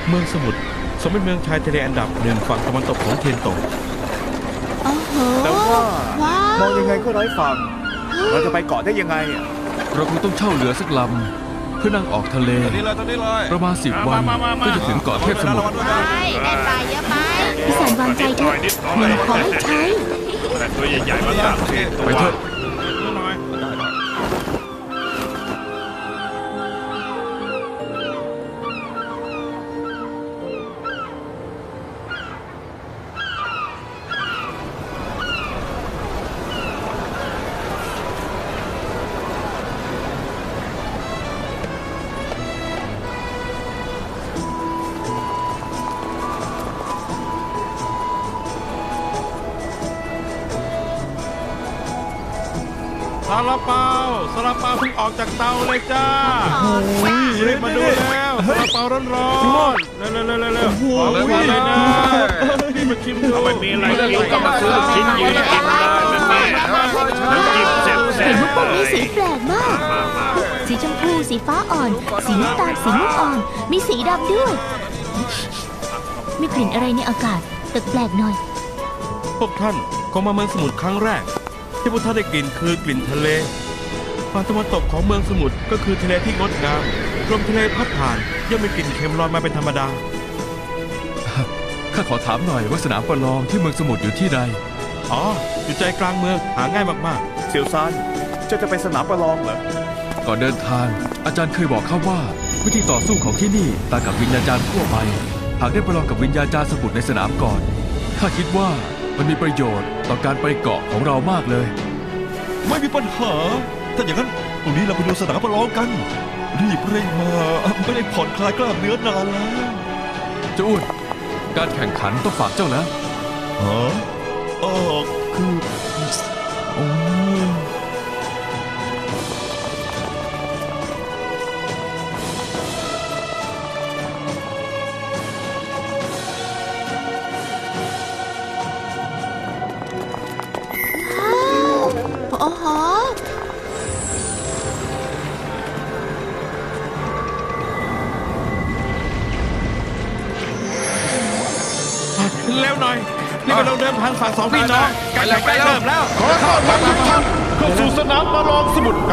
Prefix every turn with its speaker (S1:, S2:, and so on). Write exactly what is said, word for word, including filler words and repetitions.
S1: เมืองสมุทรสมเป็นเมืองชายทะเลอันดับหนึ่งฝั่งตะวันตกของเทียนโต
S2: โอ้โห
S3: แต่ว่า
S2: ว้าว
S3: มองยังไงก็ไร้ฝั่งเราจะไปเกาะได้ยังไงอะ
S4: เราคงต้องเช่าเรือสักลำเพื่อนั่งออกทะเล
S5: ตอนนี้เลยตอนนี้เลย
S4: ประมาณสิบวันก็จะถึงเกาะเทพสมุทร
S2: ไปได้ไปเยอะไปพี่สันวางใจเถอะหนูขอให้ใช้
S5: แต่ตัวใหญ่ๆมาสามสี่ตัว
S4: ไปเถอะ
S1: ซาลาเปาซาลาเปาเพิ่งออกจากเตาเลยจ้ารีบมาดูแล้วซาลาเปาร้อนๆเร็วๆเร็วๆเร็วๆบอกเลยว่าเลยนะรีบมาชิมดูไม่มีอะไรกินก็มาซื้อชิ้นยืนกินได้นั่นแน่น้ำจิ้มแซ่บ
S2: เห็นว่าพวกนี้สีแปลกมาก สีชมพู สีฟ้าอ่อน สีน้ำตาล สีม่วงอ่อน มีสีดำด้วย มีกลิ่นอะไรในอากาศแปลกๆหน่อย
S1: พวกท่านคงมาเมืองสมุทรครั้งแรก ที่พวกท่านได้กลิ่นคือกลิ่นทะเลฝั่งตะวันตกของเมืองสมุทรก็คือทะเลที่งดงามลมทะเลพัดผ่านย่อมมีกลิ่นเค็มลอยมาเป็นธรรมดา
S4: ข้าขอถามหน่อยว่าสนามประลองที่เมืองสมุทรอยู่ที่ใด
S1: อ๋อ อยู่ใจกลางเมืองหาง่ายมาก
S3: เซียวซานเจะจะไปสนามประลองเหรอ
S4: ก่อนเดินทาง อาจารย์เคยบอกข้าว่า วิธีต่อสู้ของที่นี่ต่างกับวิญญาจารย์ทั่วไป หากได้ประลองกับวิญญาจารย์สมุทรในสนามก่อนข้าคิดว่ามันมีประโยชน์ต่อการไปเกาะของเรามากเลย
S5: ไม่มีปัญหา ถ้าอย่างนั้นตรงนี้เราไปดูสนามประลองกัน รีบเร่งมาไม่ได้ผ่อนคลายกล้ามเนื้อนานแล้ว
S4: เจ้าอ้วนการแข่งขันต้องฝากเจ้าแล้ว
S5: ฮะเออคือโอ้ย
S2: โอ้โห
S1: ๆ เร็วหน่อยนี่เป็นเราเดิมพันฝั่งสองพี่น้องการแข่งขันเริ่มแล้ว
S5: ขอต้อนรับทุกท่านเข้าสู่สนามประลองสมุทรก